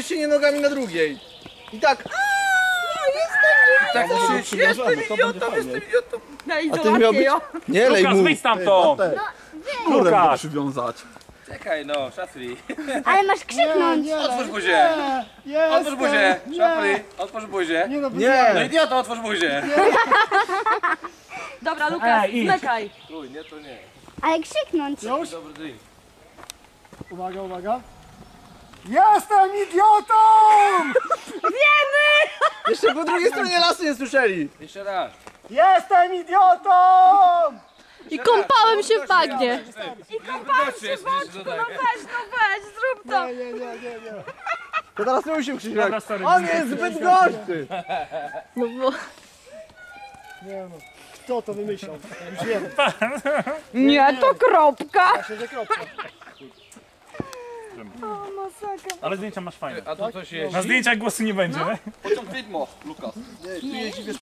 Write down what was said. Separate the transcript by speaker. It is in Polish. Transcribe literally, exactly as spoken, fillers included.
Speaker 1: zawieszenie nogami na drugiej. I tak.
Speaker 2: Tak,
Speaker 1: Jestem idiotą, jestem idiotą.
Speaker 3: Na
Speaker 1: A ty miał być... Nie lej
Speaker 4: Lukas,
Speaker 1: mu.
Speaker 4: wyjdź stamtąd! Lukas!
Speaker 1: Przywiązać.
Speaker 2: Czekaj no, szafry.
Speaker 5: Ale masz krzyknąć.
Speaker 2: Otwórz buzię. Otwórz buzię. Szafry, otwórz buzię. No
Speaker 1: Nie.
Speaker 2: idioto, otwórz buzię.
Speaker 3: Dobra, Lukas,
Speaker 4: Ej, idź.
Speaker 3: zmykaj.
Speaker 2: Uj, nie, to nie.
Speaker 5: Ale krzyknąć.
Speaker 2: Dobry drink.
Speaker 6: Uwaga, uwaga. Jestem idiotą!
Speaker 1: Jeszcze po drugiej stronie lasu nie słyszeli.
Speaker 2: Jeszcze raz.
Speaker 6: Jestem idiotą!
Speaker 3: I kąpałem się w bagnie.
Speaker 2: I kąpałem się w bagnie.
Speaker 3: No weź, no weź, zrób to.
Speaker 6: Nie, nie, nie, nie, nie.
Speaker 1: To teraz nie musimy krzyczeć.
Speaker 4: Dobra, sorry,
Speaker 1: On
Speaker 4: nie,
Speaker 1: jest
Speaker 4: nie,
Speaker 1: zbyt
Speaker 4: nie,
Speaker 1: gorszy.
Speaker 3: No bo...
Speaker 6: Nie no. Kto to wymyślał? Już wiem.
Speaker 3: Nie, to kropka.
Speaker 6: Myślę, że kropka.
Speaker 4: Ale zdjęcia masz fajne.
Speaker 2: A to coś jest.
Speaker 4: Na zdjęciach głosu nie będzie, nie?
Speaker 2: Pociąg widmo, Lukas.
Speaker 1: Tu jeździ, wiesz,